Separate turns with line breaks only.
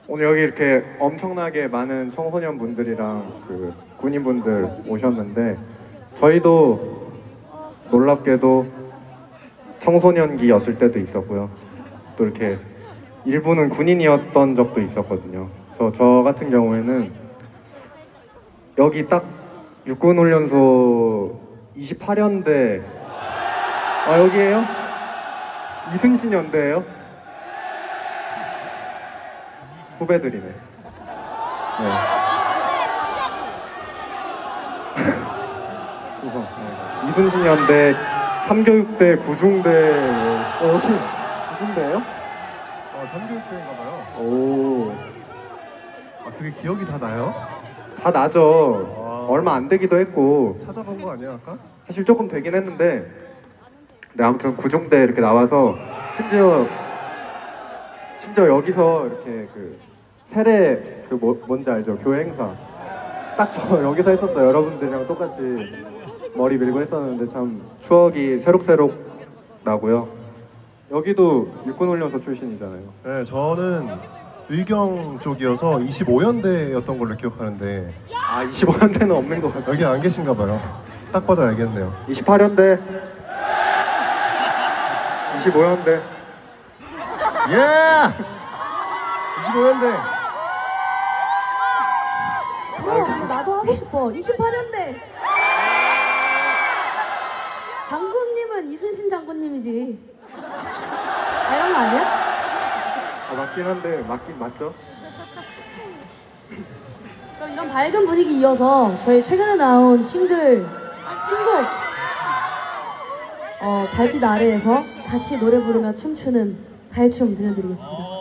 오늘 여기 이렇게 엄청나게 많은 청소년분들이랑 그 군인분들 오셨는데 저희도 놀랍게도 청소년기였을 때도 있었고요. 또 이렇게 일부는 군인이었던 적도 있었거든요. 그래서 저 같은 경우에는 여기 딱 육군훈련소 28연대 여기에요? 이순신 연대예요? 후배들이네. 네. 수성. 네. 이순신 연대 3교육대 구중대. 여기 구중대예요?
3교육대인가 봐요.
오.
그게 기억이 다 나요?
다 나죠. 얼마 안 되기도 했고
찾아본 거 아니야 아까?
사실 조금 되긴 했는데 네, 아무튼 구중대 이렇게 나와서 심지어 여기서 이렇게 그 세례 뭔지 알죠? 교회 행사 딱 저 여기서 했었어요. 여러분들이랑 똑같이 머리 밀고 했었는데 참 추억이 새록새록 나고요. 여기도 육군훈련소 출신이잖아요.
네, 저는 의경 쪽이어서 25연대였던 걸로 기억하는데
25연대는 없는 것 같아요.
여기 안 계신가 봐요. 딱 봐도 알겠네요.
28연대 25연대
예! 25연대!
그럼 근데 나도 하고 싶어. 28년대. 장군님은 이순신 장군님이지. 이런 거 아니야?
맞긴 한데 맞죠?
그럼 이런 밝은 분위기 이어서 저희 최근에 나온 신곡 달빛 아래에서 같이 노래 부르며 춤추는 갈춤 들려드리겠습니다.